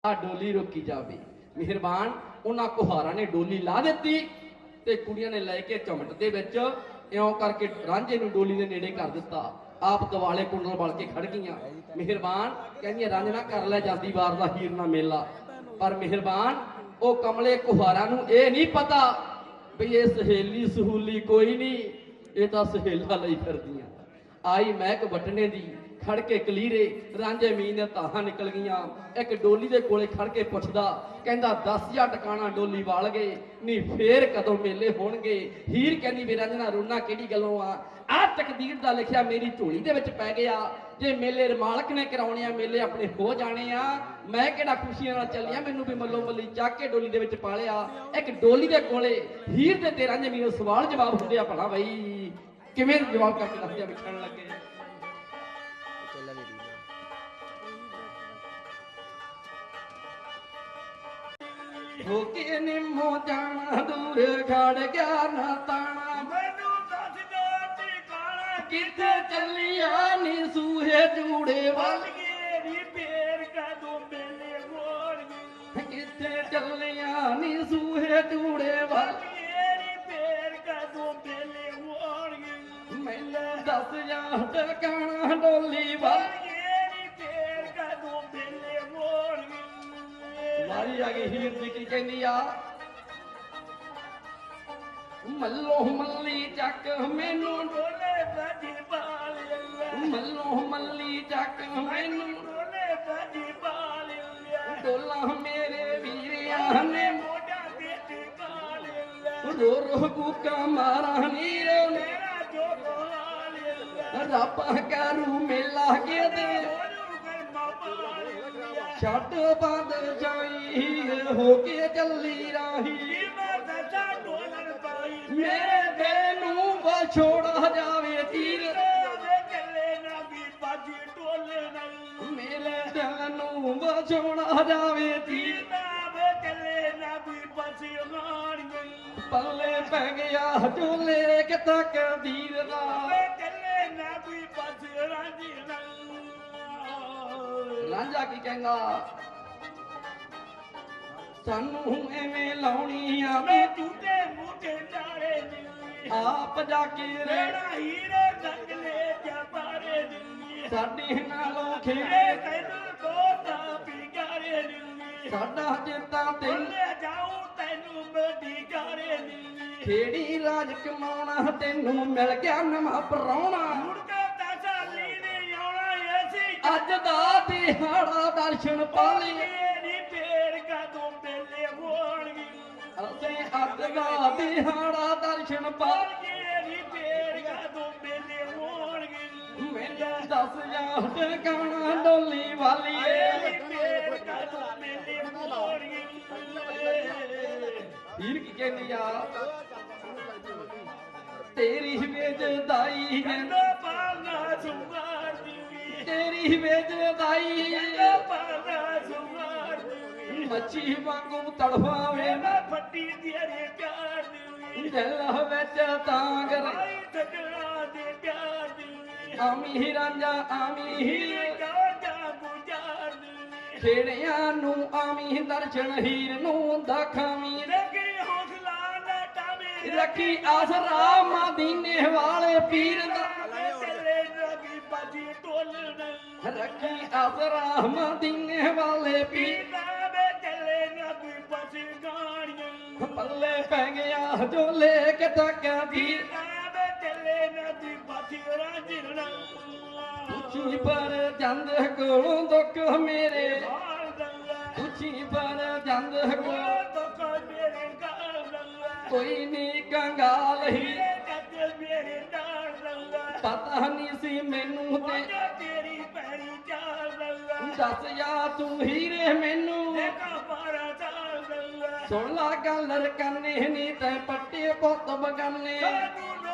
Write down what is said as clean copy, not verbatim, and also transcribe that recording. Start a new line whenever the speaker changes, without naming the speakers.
ਆ ਡੋਲੀ ਰੋਕੀ ਜਾਵੇ। ਮਿਹਰਬਾਨ ਉਹਨਾਂ ਕੁਹਾਰਾਂ ਨੇ ਡੋਲੀ ਲਾ ਦਿੱਤੀ ਤੇ ਕੁੜੀਆਂ ਨੇ ਲੈ ਕੇ ਚਮਟ ਦੇ ਵਿੱਚ ਇਉਂ ਕਰਕੇ ਰਾਂਝੇ ਨੂੰ ਡੋਲੀ ਦੇ ਨੇੜੇ ਕਰ ਦਿੱਤਾ। ਆਪ ਦਿਵਾਲੇ ਕੁੰਡਲ ਬਲ ਕੇ ਖੜ ਗਈਆਂ। ਮਿਹਰਬਾਨ ਕਹਿੰਦੀਆਂ ਰਾਂਝਣਾ ਕਰ ਲੈ ਜਾਂਦੀ ਵਾਰ ਦਾ ਹੀਰ ਨਾ ਮੇਲਾ। ਪਰ ਮਿਹਰਬਾਨ ਉਹ ਕਮਲੇ ਕੁਹਾਰਾਂ ਨੂੰ ਇਹ ਨਹੀਂ ਪਤਾ ਵੀ ਇਹ ਸਹੇਲੀ ਸਹੂਲੀ ਕੋਈ ਨਹੀਂ, ਇਹ ਤਾਂ ਸਹੇਲਾ ਲਈ ਫਿਰਦੀਆਂ। ਆਈ ਮਹਿਕ ਵਟਣੇ ਦੀ ਖੜ ਕੇ ਕਲੀਰੇ ਰਾਂਝੇ ਮੀਂਹ ਦੀਆਂ ਤਾਹਾਂ ਨਿਕਲ ਗਈਆਂ। ਇੱਕ ਡੋਲੀ ਦੇ ਕੋਲੇ ਖੜ ਕੇ ਪੁੱਛਦਾ, ਕਹਿੰਦਾ 10,000 ਟਿਕਾਣਾ ਡੋਲੀ ਵਾਲ ਗਏ ਨਹੀਂ ਫੇਰ ਕਦੋਂ ਮੇਲੇ ਹੋਣਗੇ। ਹੀਰ ਕਹਿੰਦੀ ਵੀ ਰਾਂਝਣਾ ਰੋਣਾ ਕਿਹੜੀ ਗੱਲੋਂ ਆ ਤਕਦੀਰ ਦਾ ਲਿਖਿਆ ਮੇਰੀ ਝੋਲੀ ਦੇ ਵਿੱਚ ਪੈ ਗਿਆ। ਜੇ ਮੇਲੇ ਮਾਲਕ ਨੇ ਕਰਾਉਣੇ ਆ ਮੇਲੇ ਆਪਣੇ ਹੋ ਜਾਣੇ ਆ। ਮੈਂ ਕਿਹੜਾ ਖੁਸ਼ੀਆਂ ਨਾਲ ਚੱਲਿਆ, ਮੈਨੂੰ ਵੀ ਮੱਲੋ ਮੱਲੀ ਚੱਕ ਕੇ ਡੋਲੀ ਦੇ ਵਿੱਚ ਪਾ ਲਿਆ। ਇੱਕ ਡੋਲੀ ਦੇ ਕੋਲੇ ਹੀਰ ਦੇ ਤੇ ਰਾਂਝੇ ਮੀਂਹ ਸਵਾਲ ਜਵਾਬ ਹੁੰਦੇ ਆ, ਭਲਾ ਬਈ ਕਿਵੇਂ ਜਵਾਬ ਕਰਕੇ ਦੱਸਦੇ ਆ ਵਿਖਣ ਲੱਗੇ। ਹੋ ਕੇ ਨਿੰਮੋ ਜਾਣਾ ਦੂਰ ਖੜ ਗਿਆ ਨਾ ਤਾਣਾ,
ਮੈਨੂੰ ਦੱਸ ਦੇ ਟਿਕਾਣਾ
ਕਿੱਥੇ ਚੱਲੀਆਂ ਨੀ ਸੂਹੇ ਜੂੜੇ ਵੱਲ।
ਗਏ ਨੀ ਫੇਰ ਕਦੋਂ ਮੇਲੇ ਹੋਣਗੇ।
ਕਿੱਥੇ ਚੱਲੀਆਂ ਨੀ ਸੂਹੇ ਜੂੜੇ ਵੱਲ।
ਗਏ ਨੀ ਫੇਰ ਕਦੋਂ ਮੇਲੇ ਹੋਣਗੇ।
ਮੈਨੂੰ ਦੱਸ ਜਾ ਟਿਕਾਣਾ ਡੋਲੀ ਵੱਲ।
ਗਏ ਨੀ ਫੇਰ ਕਦੋਂ ਮੇਲੇ ਹੋਣਗੇ।
ਵਾਰੀ ਆ ਗਈ ਹੀਰ ਦੀ, ਕੀ ਕਹਿੰਦੀ ਆ? ਮੱਲੋ ਮੱਲੀ ਚੱਕ ਮੈਨੂੰ
ਡੋਲੇ ਬਾਜੀ ਬਾਲ ਲਿਆ।
ਮੱਲੋ ਮੱਲੀ ਚੱਕ ਮੈਨੂੰ
ਡੋਲੇ ਬਾਜੀ ਬਾਲ ਲਿਆ।
ਡੋਲਾ ਮੇਰੇ ਵੀਰਿਆਂ ਨੇ
ਮੋਢਾ ਤੇ ਟਿਕਾਲ ਲਿਆ।
ਰੋ ਰੋ ਕੂਕਾ ਮਾਰਾਂ ਨੀਰੇ ਨੇ
ਮੇਰਾ ਜੋ ਹਾਲ ਲਿਆ।
ਰੱਬ ਕਰੂ ਮੇਲਾ ਕੇ ਦੇ
ਉਹਨੂੰ ਕਰ ਮਾਪਾ ਲਿਆ।
ਛੱਡ ਬੰਦ ਜਾਈ ਹੋ ਕੇ ਚੱਲੀ ਰਾਹੀ।
ਮੈਂ ਦੱਸਾਂ ਢੋਲਣ ਪਾਈ
ਮੇਰੇ ਦਿਲ ਨੂੰ ਵਿਛੋੜਾ ਜਾਵੇ ਤੀਰ।
ਮੇਰੇ ਚੱਲੇ ਨਾ ਵੀ ਬਾਜੀ ਢੋਲੇ ਨਹੀਂ।
ਮੇਰੇ ਦਿਲ ਨੂੰ ਵਿਛੋੜਾ ਜਾਵੇ ਤੀਰ।
ਮੇਰੇ ਚੱਲੇ ਨਾ ਵੀ ਬਾਜੀ ਹਾਣ ਗਈ।
ਪੱਲੇ ਪੈ ਗਿਆ ਝੋਲੇ ਕਿ ਤਕਦੀਰ ਦਾ।
ਮੇਰੇ ਚੱਲੇ ਨਾ ਵੀ ਬਾਜੀ ਰਾਂਝੀ ਨਹੀਂ।
ਰਾਂਝਾ ਕੀ ਕਹਿੰਦਾ? ਸਾਨੂੰ ਐਵੇਂ ਲਾਉਣੀਆਂ
ਮੈਂ ਝੂਟੇ ਮੂਠੇ ਚਾੜੇ ਨੀ।
ਆਪ ਜਾ ਕੇ
ਰੇੜਾ ਹੀਰੇ ਨਗਲੇ ਜਬਾਰੇ ਨੀ।
ਸਾਡੇ ਨਾਲੋਂ
ਇਹ
ਖੇੜੇ
ਤੈਨੂੰ ਦੋਤਾ ਪਿਗਾਰੇ ਨੀ।
ਸਾਡਾ ਚੇਤਾ ਤੈਨੂੰ
ਲੈ ਜਾਉ ਤੈਨੂੰ ਮੇਰੀ ਗਾਰੇ ਨੀ।
ਖੇੜੀ ਰਾਜ ਕਮਾਉਣਾ ਤੈਨੂੰ ਮਿਲ ਗਿਆ ਨਵਾਂ ਪਰਾਉਣਾ।
ਮੁੜ ਕੇ ਤਸਾਲੀ ਨਹੀਂ ਆਉਣਾ ਐਸੀ
ਅੱਜ ਦਾ ਦਿਹਾੜਾ ਦਰਸ਼ਨ ਪਾਲੀ।
ਨੀ ਫੇਰ ਕਦੋਂ ਮੇਲੇ ਹੋਣਗੇ।
ਅਸੀਂ ਅੱਜ ਦਾ ਦਿਹਾੜਾ ਦਰਸ਼ਨ ਪਾਲੀ।
ਨੀ ਫੇਰ ਕਦੋਂ ਮੇਲੇ ਹੋਣਗੇ।
ਮੈਨੂੰ ਦੱਸ ਜਾ ਟਿਕਾਣਾ ਡੋਲੀ ਵਾਲੀਏ।
ਨੀ ਫੇਰ ਕਦੋਂ ਮੇਲੇ ਹੋਣਗੇ।
ਹੀਰ ਕੀ ਕਹਿੰਦੀ ਆ? ਤੇਰੀ ਵੇਜਦਾਈ
ਕਹਿੰਦਾ ਪਾਲਣਾ ਸੁਮਾਰ ਦੀ।
ਤੇਰੀ ਵੇਜਦਾਈ
ਕਹਿੰਦਾ ਪਾਲਣਾ ਸੁਮਾਰ ਦੀ।
ਮੱਛੀ ਵਾਂਗੂ ਤੜਫਾਵੇ
ਮੈਂ ਫੱਟੀ ਤੇਰੇ ਪਿਆਰ ਦੀ।
ਦਿਲ ਵਿੱਚ ਤਾਂਗਰ
ਆਈ ਠਗੜਾ ਦੇ ਪਿਆਰ ਦੀ।
ਆਮੀ ਰਾਂਝਾ ਆਮੀ ਹੀਰ
ਕਾਂਡਾ ਗੁਜ਼ਾਰ ਦੀ।
ਖੇੜਿਆਂ ਨੂੰ ਆਮੀ ਦਰਸ਼ਨ ਹੀਰ ਨੂੰ ਦਖਾਵੀਂ।
ਲੱਗੀ ਹੌਸਲਾ ਨਾ ਟਾਵੇਂ।
ਰੱਖੀ ਆਸਰਾ ਮਦੀਨੇ ਵਾਲੇ ਪੀਰ ਦਾ।
ਚੱਲੇ ਨਬੀ ਬਾਜੀ ਢੋਲਣ।
ਰੱਖੀ ਆਸਰਾ ਮਦੀਨੇ ਵਾਲੇ ਪੀਰ।
ਵੇ ਚੱਲੇ ਨਬੀ ਬਾਜੀ ਗਾਣੀਆਂ।
ਪੱਲੇ ਪੈ ਗਿਆ ਝੋਲੇ ਕਿ ਤਕਦੀਰ।
ਵੇ ਚੱਲੇ ਨਬੀ ਬਾਜੀ ਰਾਂਝਣਾ।
ਉੱਚੀ ਪਰ ਜੰਦ ਕੋਲੋਂ ਦੁੱਖ ਮੇਰੇ।
ਹਾਲ ਦੰਗਾ
ਉੱਚੀ ਪਰ ਜੰਦ ਕੋਲੋਂ
ਦੁੱਖ ਮੇਰੇ ਗਾਲ ਦੰਗਾ।
ਕੋਈ ਨੀ ਕੰਗਾਲ ਹੀ।
ਮੇਰੇ ਕੱਦ ਮੇਰੇ ਨਾਲ ਦੰਗਾ।
ਪਤਾ ਨਹੀਂ ਸੀ ਮੈਨੂੰ ਤੇ
ਮੋਢਾ ਤੇਰੀ ਪੈਰੀ ਚਾਲ ਦੰਗਾ।
ਦੱਸ ਜਾ ਤੂੰ ਹੀਰੇ ਮੈਨੂੰ।
ਦੇਖਾ ਪਾਰਾ ਚਾਲ ਦੰਗਾ।
ਸੁਣ ਲਾ ਗੱਲ ਰਕਾਨੇ ਨੀ ਤੈ ਪੱਟੇ ਪੁੱਤ ਬਗਾਨੇ।
ਸਾਨੂੰ